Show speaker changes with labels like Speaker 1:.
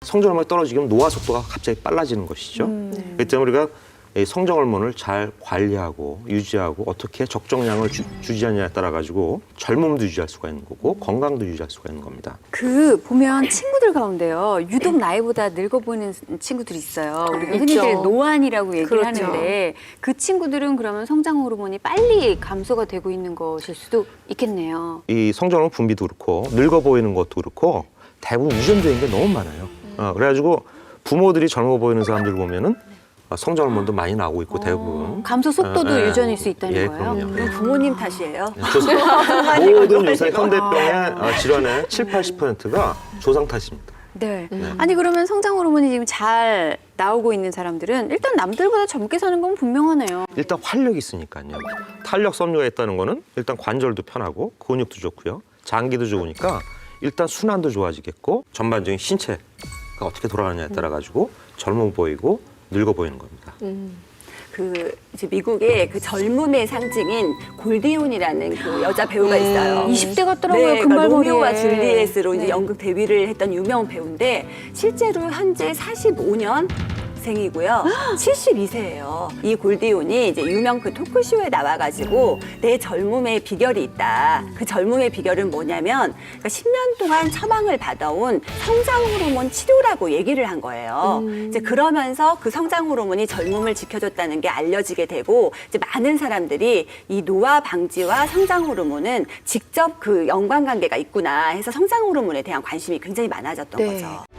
Speaker 1: 성장 호르몬이 떨어지면 노화 속도가 갑자기 빨라지는 것이죠. 그렇기 때문에 우리가 이 성장 호르몬을 잘 관리하고 유지하고 어떻게 적정량을 유지하느냐에 따라 가지고 젊음도 유지할 수가 있는 거고 건강도 유지할 수가 있는 겁니다.
Speaker 2: 그 보면 친구들 가운데요. 유독 나이보다 늙어 보이는 친구들이 있어요. 우리가 흔히들
Speaker 3: 있죠.
Speaker 2: 노안이라고 얘기를
Speaker 3: 그렇죠.
Speaker 2: 하는데 그 친구들은 그러면 성장 호르몬이 빨리 감소가 되고 있는 것일 수도 있겠네요.
Speaker 1: 이 성장 호르몬 분비도 그렇고 늙어 보이는 것도 그렇고 대부분 유전적인 게 너무 많아요. 그래가지고 부모들이 젊어 보이는 사람들 보면은 성장 호르몬도 많이 나오고 있고 대부분
Speaker 2: 감소 속도도 유전일 수 있다는
Speaker 1: 예,
Speaker 2: 거예요.
Speaker 1: 그럼요.
Speaker 3: 그럼 부모님 탓이에요.
Speaker 1: 모든 요새 현대병의 질환의 7, 80%가 조상 탓입니다.
Speaker 2: 네. 아니 그러면 성장 호르몬이 지금 잘 나오고 있는 사람들은 일단 남들보다 젊게 사는 건 분명하네요.
Speaker 1: 일단 활력이 있으니까요. 탄력 섬유가 있다는 거는 일단 관절도 편하고 근육도 좋고요. 장기도 좋으니까 일단 순환도 좋아지겠고 전반적인 신체가 어떻게 돌아가느냐에 따라 가지고 젊어 보이고 늙어 보이는 겁니다.
Speaker 3: 그 이제 미국의 그 젊음의 상징인 골디온이라는 그 여자 배우가 있어요.
Speaker 2: 20대 같더라고요.
Speaker 3: 네, 그러니까
Speaker 2: 금발머리에.
Speaker 3: 로미오와 줄리엣으로 이제
Speaker 2: 네.
Speaker 3: 연극 데뷔를 했던 유명 배우인데 실제로 현재 45년 생이고요. 72세예요. 이 골디온이 이제 유명 그 토크쇼에 나와가지고 내 젊음의 비결이 있다. 그 젊음의 비결은 뭐냐면 그러니까 10년 동안 처방을 받아온 성장 호르몬 치료라고 얘기를 한 거예요. 이제 그러면서 그 성장 호르몬이 젊음을 지켜줬다는 게 알려지게 되고 이제 많은 사람들이 이 노화 방지와 성장 호르몬은 직접 그 연관관계가 있구나 해서 성장 호르몬에 대한 관심이 굉장히 많아졌던
Speaker 2: 네.
Speaker 3: 거죠.